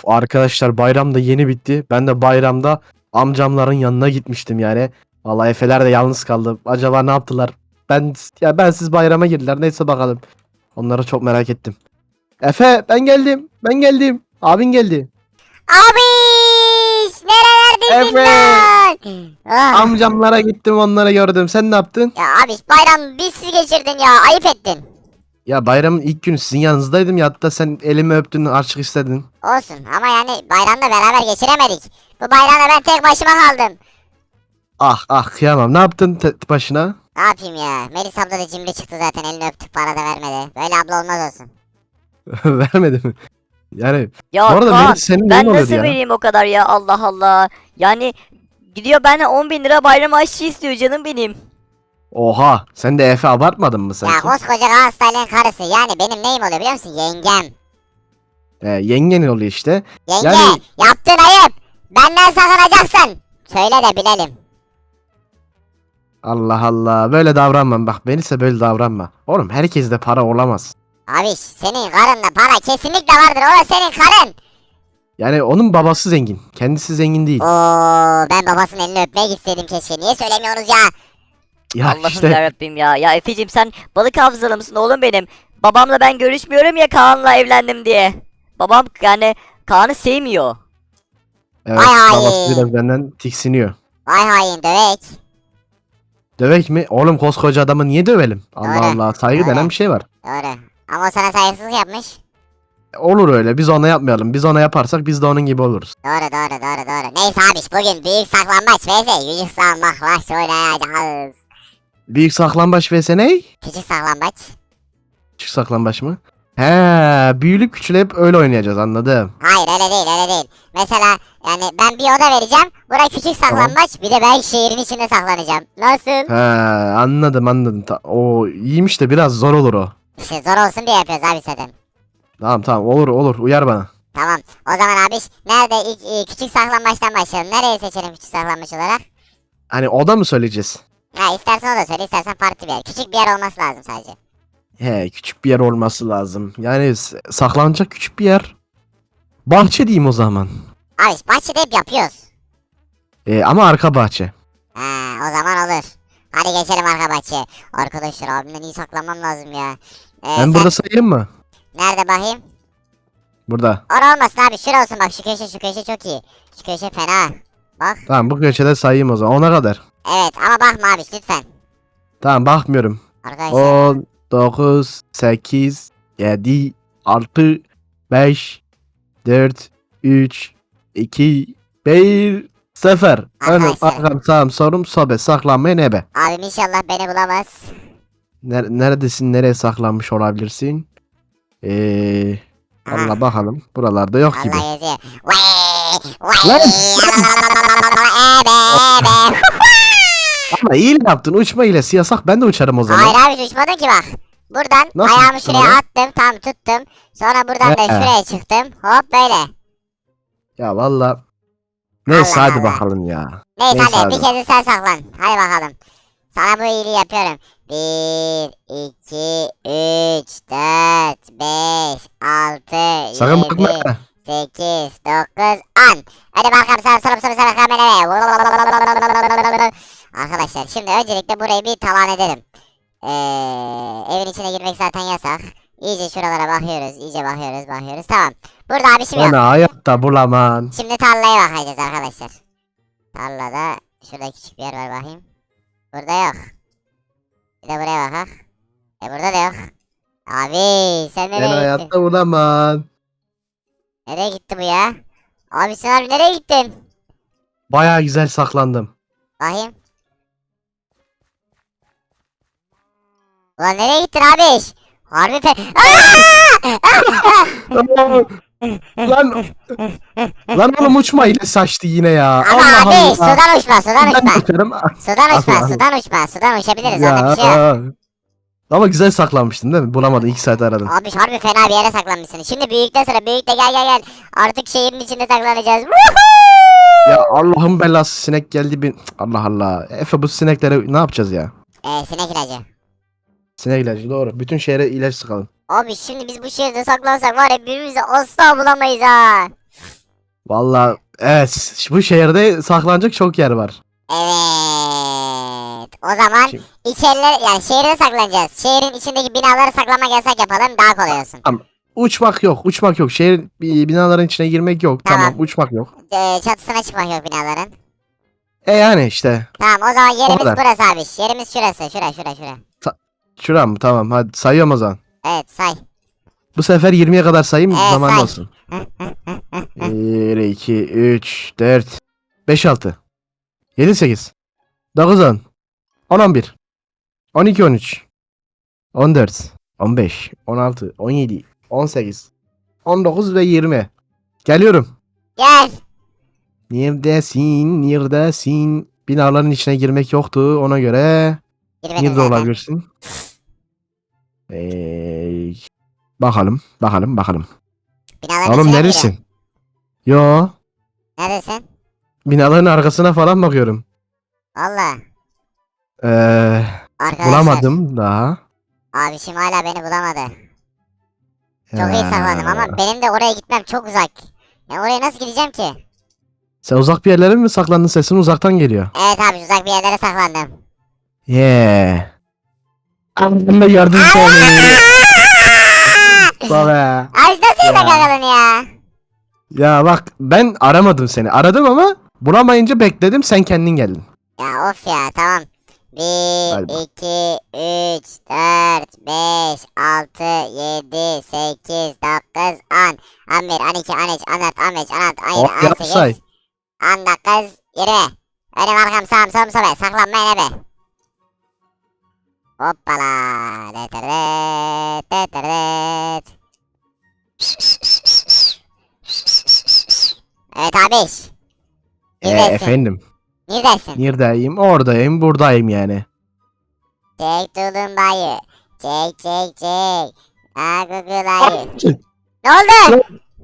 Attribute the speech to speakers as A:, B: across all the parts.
A: Arkadaşlar bayram da yeni bitti. Ben de bayramda amcamların yanına gitmiştim yani. Vallahi Efeler de yalnız kaldı. Acaba ne yaptılar? Ben siz bayrama girdiler. Neyse bakalım. Onları çok merak ettim. Efe ben geldim. Ben geldim. Abin geldi.
B: Abiş nerelerdesin
A: Efe.
B: lan? Ah.
A: Amcamlara gittim, onları gördüm. Sen ne yaptın?
B: Ya abiş bayram bizsiz geçirdin ya, ayıp ettin.
A: Ya bayramın ilk günü sizin yanınızdaydım ya, hatta sen elimi öptün, harçlık istedin.
B: Olsun ama yani bayramda beraber geçiremedik. Bu bayramda ben tek başıma kaldım.
A: Ah kıyamam. Ne yaptın başına?
B: Ne yapayım ya? Melis abla da cimri çıktı zaten, elini öptük para da vermedi. Böyle abla olmaz olsun.
A: Vermedi mi? Yani
C: Ya
A: bu arada
C: Kaan,
A: Melis senin neyin
C: ben
A: oluyordu
C: nasıl
A: ya?
C: vereyim o kadar ya, Allah Allah. Yani gidiyor benden 10.000 lira bayram harçlığı istiyor canım benim.
A: Oha, sen de Efe abartmadın mı
B: Ya
A: sanki?
B: koskoca Galatasaray'ın karısı, yani benim neyim oluyor biliyor musun? Yengem.
A: Yengenin oluyor işte.
B: Yenge,
A: Yani-
B: yaptığın ayıp. Benden sakınacaksın. Söyle de bilelim.
A: Allah Allah, böyle davranma bak, Melis'e böyle davranma. Oğlum herkeste para olamaz.
B: Abiş senin karınla para kesinlikle vardır. O da senin karın.
A: Yani onun babası zengin, kendisi zengin değil.
B: Oo, ben babasının elini öpmeye gitseydim keşke. Niye söylemiyorsunuz ya?
A: Ya
C: Allah'ım
A: işte
C: yarabbim ya. Ya Efe'cim, sen balık hafızalı mısın oğlum benim? Babamla ben görüşmüyorum ya, Kaan'la evlendim diye. Babam yani Kaan'ı sevmiyor.
A: evet,
B: Ay.
A: babası biraz benden tiksiniyor.
B: Vay hain dövek.
A: Dövek mi? Oğlum koskoca adamı niye dövelim? Allah
B: Doğru.
A: Allah, saygı
B: Doğru.
A: denen bir şey var.
B: Doğru. Ama o sana saygısızlık yapmış.
A: Olur öyle, biz ona yapmayalım. Biz ona yaparsak biz de onun gibi oluruz.
B: Doğru. Neyse abiş, bugün büyük saklambaç vs. Yüzük saklambaç oynayacağız.
A: Büyük saklambaç vs ne?
B: Küçük saklambaç.
A: Küçük saklambaç mı? He, büyülüp küçülüp öyle oynayacağız, anladım.
B: Hayır öyle değil. Mesela yani ben bir oda vereceğim. Buraya küçük saklambaç, bir de ben şehrin içinde saklanacağım. Nasıl?
A: He, anladım. O iyiymiş de biraz zor olur o.
B: İşte zor olsun diye yapıyoruz abi zaten.
A: Tamam, olur, uyar bana.
B: Tamam. O zaman abi nerede ilk küçük saklambaçtan başlayalım. Nereyi seçelim küçük saklambaç olarak?
A: Hani oda mı söyleyeceğiz?
B: Ha, istersen o da söyle, istersen farklı bir yer. Küçük bir yer olması lazım sadece.
A: He, küçük bir yer olması lazım. Yani saklanacak küçük bir yer. Bahçe diyeyim o zaman.
B: Abi bahçede hep yapıyoruz.
A: Ama arka bahçe.
B: Ha, o zaman olur. Hadi geçelim arka bahçeye. Arkadaşlar abimden iyi saklanmam lazım ya.
A: Ben
B: Sen
A: burada sayayım mı?
B: nerede bakayım?
A: Burada.
B: Orada olmasın abi, şurası olsun, bak şu köşe çok iyi. Şu köşe fena. Bak.
A: Tamam, bu köşede sayayım o zaman. Ona kadar.
B: Evet ama bakma abi lütfen.
A: Tamam, bakmıyorum.
B: Arkadaşlar.
A: 10, 9, 8, 7, 6, 5, 4, 3, 2, 1, 0. Önüm,
B: Arkadaşlar.
A: arkam, sağım, solum, sobe. Saklanmaya ne be?
B: Abim inşallah beni bulamaz.
A: Neredesin? Nereye saklanmış olabilirsin?
B: Aha.
A: Allah bakalım. Buralarda yok gibi.
B: Allah yazıyor. Vay
A: Lan!
B: ebe.
A: Ama iyi yaptın. Uçma hilesi yasak. Ben de uçarım o zaman.
B: Hayır abi uçmadın ki bak. Buradan
A: Nasıl
B: ayağımı
A: uçtun
B: şuraya
A: ama?
B: attım, tam tuttum. Sonra buradan da
A: He.
B: şuraya çıktım. Hop böyle.
A: Ya valla. Neyse
B: Allah
A: hadi
B: Allah.
A: bakalım ya.
B: Neyse
A: Neyse
B: hadi bir
A: abi.
B: kez de sen saklan. Hadi bakalım. Sana bu iyiliği yapıyorum. 1, 2, 3, 4, 5, 6,
A: Sakın
B: 7,
A: bakma.
B: 8, 9, 10. Hadi bakalım sana kameraya. Arkadaşlar şimdi öncelikle burayı bir talan edelim. Evin içine girmek zaten yasak. İyice şuralara bakıyoruz. Bakıyoruz. Tamam. Burada abi şimdi yok.
A: Bana hayatta bulamam.
B: Şimdi tarlaya bakacağız arkadaşlar. Tarlada şurada küçük bir yer var bakayım. Burada yok. Bir de buraya bakak. Burada da yok. Abi sen
A: Ben
B: nereye gittin?
A: hayatta bulamam.
B: Nereye gitti bu ya? Abi sen harbi nereye gittin?
A: Baya güzel saklandım.
B: Bakayım. Ulan nereye gittin abi? Harbi
A: lan lan oğlum, uçma ile saçtı yine ya.
B: Ama
A: Allah
B: abi
A: Allah.
B: sudan uçma.
A: Ben uçarım.
B: Sudan uçabiliriz, orada bir şey yok.
A: Ya. Ama güzel saklanmıştın değil mi? Bulamadın, 2 saat aradın.
B: Abi harbi fena bir yere saklanmışsın. Şimdi büyükten sonra büyük de gel. Artık şehrin içinde saklanacağız.
A: Ya Allah'ın belası, sinek geldi bir. Allah Allah. Efe, bu sineklere ne yapacağız ya?
B: Sinek ilacı.
A: Sinek ilacı, doğru. Bütün şehre ilaç sıkalım.
B: Abi şimdi biz bu şehirde saklansak var ya, birbirimizi asla bulamayız ha.
A: Valla evet, bu şehirde saklanacak çok yer var.
B: Evet. O zaman
A: Şimdi-
B: içeriler yani şehirde saklanacağız. Şehrin içindeki binaları saklamak yasak yapalım daha kolay olsun.
A: Uçmak yok, uçmak yok. Şehir binaların içine girmek yok.
B: Tamam.
A: Tamam, uçmak yok.
B: Çatısına çıkmak yok binaların.
A: Yani işte.
B: Tamam o zaman yerimiz
A: kadar.
B: burası abi. Yerimiz şurası. Şura.
A: Şuram mı? Tamam, hadi sayıyorum o zaman.
B: Evet say.
A: Bu sefer 20'ye kadar sayayım,
B: Evet,
A: zaman
B: say.
A: olsun. 1, 2, 3, 4, 5, 6, 7, 8, 9, 10, 10, 11, 12, 13, 14, 15, 16, 17, 18, 19 ve 20. Geliyorum.
B: Gel.
A: Neredesin? Neredesin? Binaların içine girmek yoktu ona göre.
B: Girmedim
A: Nerede
B: zaten.
A: olabilirsin? Bakalım.
B: Binaların
A: Oğlum
B: içine mi
A: neredesin? Yo.
B: Neredesin?
A: Binaların arkasına falan bakıyorum.
B: Valla.
A: Ee,
B: Arkadaşlar.
A: bulamadım daha.
B: Abişim hala beni bulamadı. Çok iyi
A: Ee,
B: saklandım ama benim de oraya gitmem çok uzak. Ya oraya nasıl gideceğim ki?
A: Sen uzak bir yerlere mi saklandın? Sesin uzaktan geliyor.
B: Evet abi uzak bir yerlere saklandım.
A: Yeah. Ben de gördüm seni. Baba.
B: Abi nasıl
A: Ya.
B: yakaladın ya?
A: Ya bak, ben aramadım seni. Aradım ama bulamayınca bekledim, sen kendin geldin.
B: Ya of ya tamam. 1,
A: Hadi bak.
B: 2, 3, 4, 5, 6, 7, 8, 9, 10, 11, 12, 13, 14, 15, 16, 17,
A: Yap say.
B: 18, 19, 20. Önüm arkam sağım solum sobe. Saklanmayın ebe. Hoppala. Deterdet, deterdet. Evet abiş. Neredesin?
A: Efendim.
B: Neredesin?
A: Neredeyim? Oradayım, buradayım yani.
B: Çek tulumbayı. Çek. Ha Google'ayı. Ne oldu?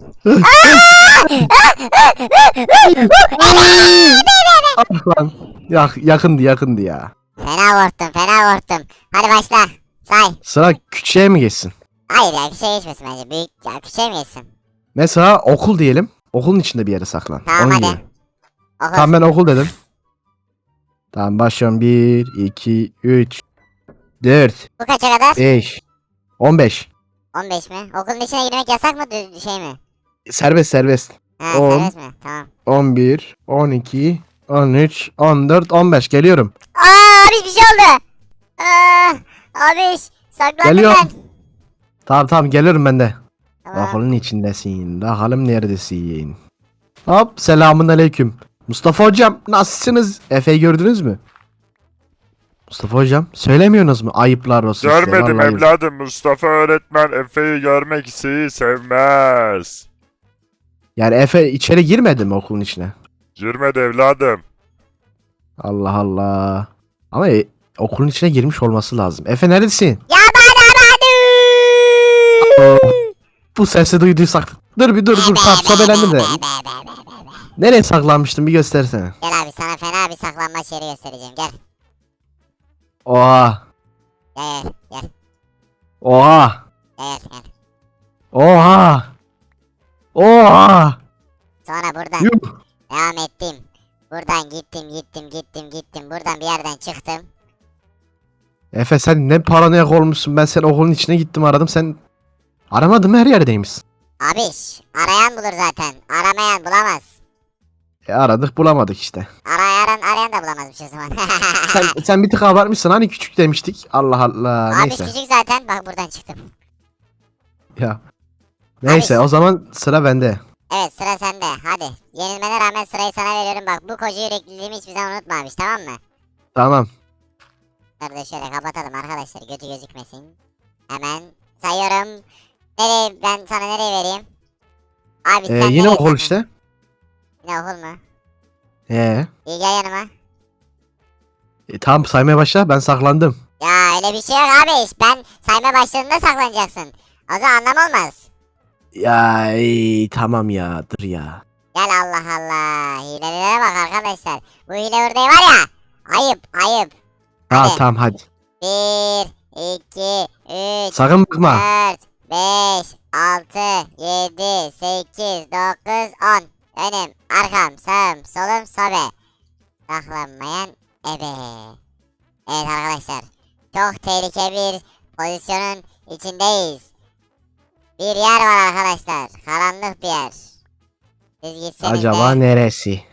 A: Lan. Yakındı ya.
B: Fena korktum. Hadi başla. Say.
A: Sıra küçüğe mi geçsin?
B: Hayır ya küçüğe geçmesin bence. Büyük ya küçüğe mi geçsin?
A: Mesela okul diyelim. Okulun içinde bir yere saklan.
B: Tamam
A: Onun
B: hadi.
A: gibi.
B: Oku.
A: Tamam, ben okul dedim. Tamam, başlıyorum. 1, 2, 3, 4,
B: Bu kaça kadar?
A: 5, 15.
B: 15 mi? Okulun içine girmek yasak mı şey mi?
A: Serbest.
B: Ha
A: 10.
B: serbest mi? Tamam.
A: 11, 12, 13, 14, 15. Geliyorum.
B: Abi bir şey oldu. Abi saklandım
A: Geliyorum.
B: ben.
A: Tamam, geliyorum ben de.
B: Tamam.
A: Okulun içindesin. Bakalım neredesin? Hop, selamun aleyküm. Mustafa hocam, nasılsınız? Efe'yi gördünüz mü? Mustafa hocam, söylemiyorsunuz mu? Ayıplar olsun size,
D: Görmedim
A: vallahi.
D: evladım. Mustafa öğretmen Efe'yi görmek sevmez.
A: Yani Efe içeri girmedi mi okulun içine?
D: Girmedi evladım.
A: Allah Allah. Ama okulun içine girmiş olması lazım. Efe neredesin?
B: Ya bana.
A: Bu sesi duyduysak. Dur. Tamam, sobelendim de. Nereye saklanmıştın, bir göstersene.
B: Gel abi sana fena bir saklanmaç yeri göstereceğim. Gel.
A: Oha.
B: Gel.
A: Oha.
B: Gel.
A: Oha. Oha.
B: Sonra buradan
A: Yuh.
B: devam ettim. Buradan gittim. Buradan bir yerden çıktım.
A: Efe, sen ne paranoyak olmuşsun. Ben sen okulun içine gittim, aradım. Sen aramadın mı, her yerdeymişsin.
B: Abiş arayan bulur zaten. Aramayan bulamaz.
A: Aradık, bulamadık işte.
B: Arayan da bulamazmış o zaman.
A: Sen bir tık abartmışsın, hani küçük demiştik. Allah Allah,
B: Abiş
A: neyse.
B: küçük zaten. Bak buradan çıktım.
A: Ya. Neyse,
B: Abi-
A: o zaman sıra bende.
B: Evet sıra sende. Hadi. Yenilmene rağmen sırayı sana veriyorum. Bak bu koca yürekliliğimi hiçbir zaman unutma abiş tamam mı?
A: Tamam.
B: Bunları da şöyle kapatalım arkadaşlar. Götü gözükmesin. Hemen sayıyorum. Ben sana nereye vereyim? Abi sen
A: Yine
B: nereye
A: okul
B: saklan-
A: işte.
B: Yine okul mu? İyi gel yanıma.
A: Tamam, saymaya başla, ben saklandım.
B: Ya öyle bir şey yok abi. Ben sayma başladığında saklanacaksın. O zaman anlam olmaz.
A: Ya tamam ya, dur ya.
B: Gel Allah Allah. Hilelere bak arkadaşlar. Bu hile ördeği var ya. Ayıp. Hadi.
A: Tamam hadi.
B: 1, 2, 3,
A: Sakın bakma.
B: 4, 5, 6, 7, 8, 9, 10. önüm, arkam, sağım, solum, sobe. Saklanmayan ebe. Evet arkadaşlar. Çok tehlikeli bir pozisyonun içindeyiz. Bir yer var arkadaşlar. Karanlık bir yer. Siz gitseniz
A: Acaba
B: de.
A: neresi?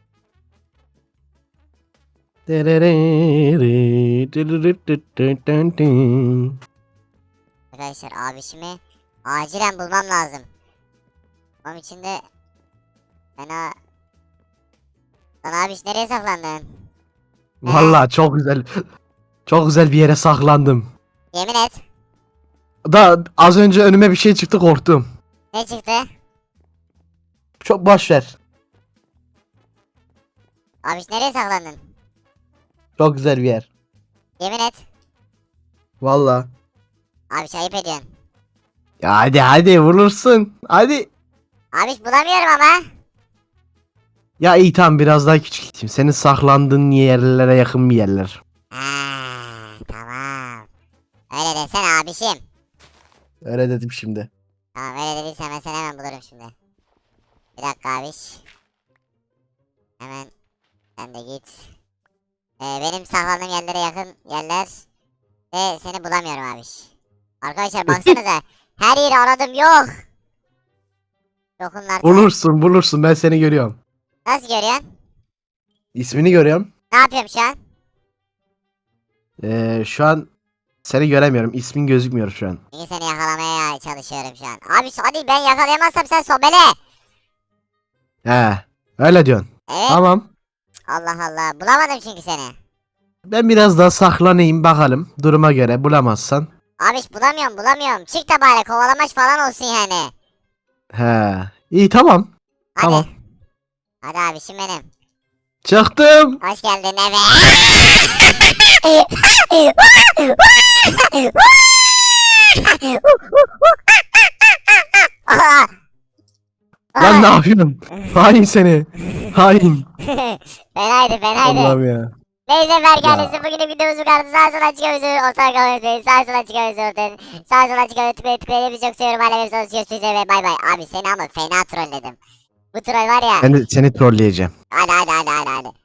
B: Arkadaşlar abişimi acilen bulmam lazım. Onun için de fena... Lan abiş nereye saklandın?
A: Vallahi çok güzel. Çok güzel bir yere saklandım.
B: Yemin et.
A: Da az önce önüme bir şey çıktı korktum.
B: Ne çıktı?
A: Çok boş ver.
B: Abiş nereye saklandın?
A: Çok güzel bir yer.
B: Yemin et.
A: Vallahi.
B: Abiş ayıp ediyorsun.
A: Ya hadi vurursun. Hadi.
B: Abiş bulamıyorum ama.
A: Ya iyi tamam biraz daha küçük gideyim. Senin saklandığın yerlere yakın bir yerler.
B: Tamam. Öyle desene abişim.
A: Öyle dedim şimdi.
B: Tamam öyle dediysen ben seni hemen bulurum şimdi. Bir dakika abiş. Hemen sen de git. Benim saklandığım yerlere yakın yerler. Ve seni bulamıyorum abiş. Arkadaşlar baksanıza. Her yeri aradım yok. Yokum artık.
A: Bulursun ben seni görüyorum.
B: Nasıl görüyorsun?
A: İsmini görüyorum.
B: Ne yapıyorum şu an?
A: Şu an seni göremiyorum. İsmin gözükmüyor şu an.
B: Çünkü seni yakalamaya çalışıyorum şu an. Abi hadi ben yakalayamazsam sen sobele.
A: He. Öyle diyorsun.
B: Evet.
A: Tamam.
B: Allah Allah. Bulamadım çünkü seni.
A: Ben biraz daha saklanayım bakalım. Duruma göre bulamazsan.
B: Abiş bulamıyorum. Çık da bari kovalamaç falan olsun yani.
A: He. İyi tamam.
B: Hadi.
A: Tamam.
B: Hadi abişim benim.
A: Çıktım.
B: Hoş geldin eve.
A: Lan ne yapıyorsun? Hain seni. Hain.
B: Fenaydı.
A: Allah'ım ya.
B: Neyse Berk bugünün videomuzu kaldı. Sağ sola çıkıyoruz. Ortaya kalıyoruz. Sağ sola çıkıyoruz ortadan. Sağ sola çıkıyoruz. Tıklayın. Hepinizi çok seviyorum. Hala hepinizi görüşürüz ve bay bay. Abi seni ama fena trolledim. Bu troll var ya.
A: Ben de seni trolleyeceğim.
B: Hadi.